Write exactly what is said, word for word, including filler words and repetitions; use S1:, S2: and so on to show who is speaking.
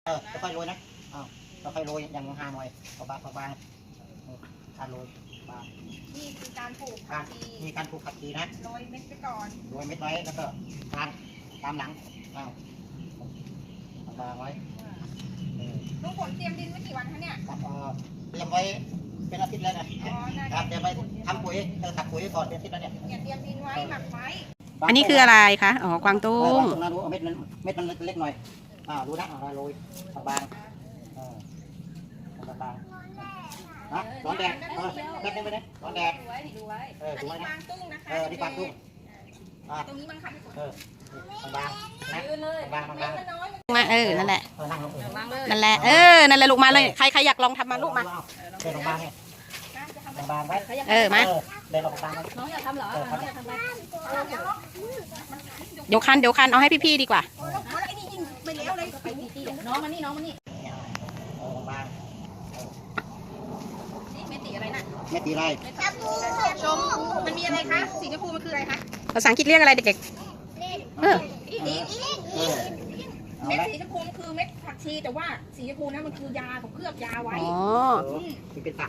S1: เออค่อยๆโรยนะอ้าวค่อยๆโรยอย่างห่างๆหน่อยบางๆบางๆการโรยบาง
S2: นี่คือการปลูก
S1: กา
S2: ผั
S1: ร
S2: กชี
S1: มีการปลูกผักชีนะ
S2: โรยเม็ดไปก่อน
S1: โรยเม็ดไว้แล้วก็ทางตามหลังอ้าววางไว้เออ
S2: ลุงผลเตรียมดินไว้กี่วันคะเนี่ย
S1: ครับเออเตรียมไว้เป็นอาทิตย์แล้วนะ
S2: อ๋อน่า
S1: ครับเตรียมไว้ทำปุ๋ยเออตักปุ๋ยก่อนเป็นอาทิตย์แล้วเนี่ย
S2: เนี่ยเตรียมดินไว้หมักไว้
S3: อันนี้คืออะไรคะอ๋อกวางตุ้
S1: เออ
S3: ง
S1: วางตรงนั้นรู้เอาเม็ดมันเม็ดมันเล็กๆหน่อยอ่ารู้นะเอาโรยบางๆเออบางๆนะร้อนแดดเออแป๊บนึงไปนะร้อนแดด
S2: ดูไว้ดูไว้
S1: เออ
S2: อัน
S1: ดู
S2: นี้
S1: ไว้นะ
S2: กวางตุ้งนะคะ
S1: เออนี่กวางตุ้งอ่า
S2: ตรงนี้บังคับให้กด
S1: เออบางๆนะ
S2: ยืนเลย
S1: บางๆ
S2: เม็
S1: บา
S2: ด
S1: ง
S2: มันน้อย
S3: มาเออนั่นแหละ
S1: ๆเออนั่งลงเออ
S2: วางเลย
S3: นั่นแหละเออนั่นแหละลูกมาเลยใครใครอยากลองทำมาลูกมา
S1: เดินลงบางไง
S2: นะจะทำ
S1: ลงบางไว้
S3: เออมา
S1: เดินลงบางไว้
S2: น้องอยากทำเหรอ
S1: เออครับ
S2: น้องอยากทำอะไร
S3: เดี๋ยวคันเดี๋ยวคันเอาให้พี่ๆดีกว่า
S2: โอ้แล้วไอ้นี่ยิงไปแล้วเลยไปตีๆน้องมานี่น้องมานี่
S1: เออลงบาง
S2: นี่เม็ดตีอะไรน่ะ
S1: ไม่ตีไร
S2: เม็ดชมพูชมพูมันมีอะไรคะสีชมพูมันคืออะไรคะ
S3: ภาษาอังกฤษเรียกอะไรเด็กๆเออ
S2: อีอี
S1: เออเอา
S2: เม็ด
S1: ละ
S2: สีชมพูมันคือเม็ดผักชีแต่ว่าสีชมพูนะมันคือยาของเคลือบยาไว้
S3: อ๋อ
S1: ที่เป็นตัก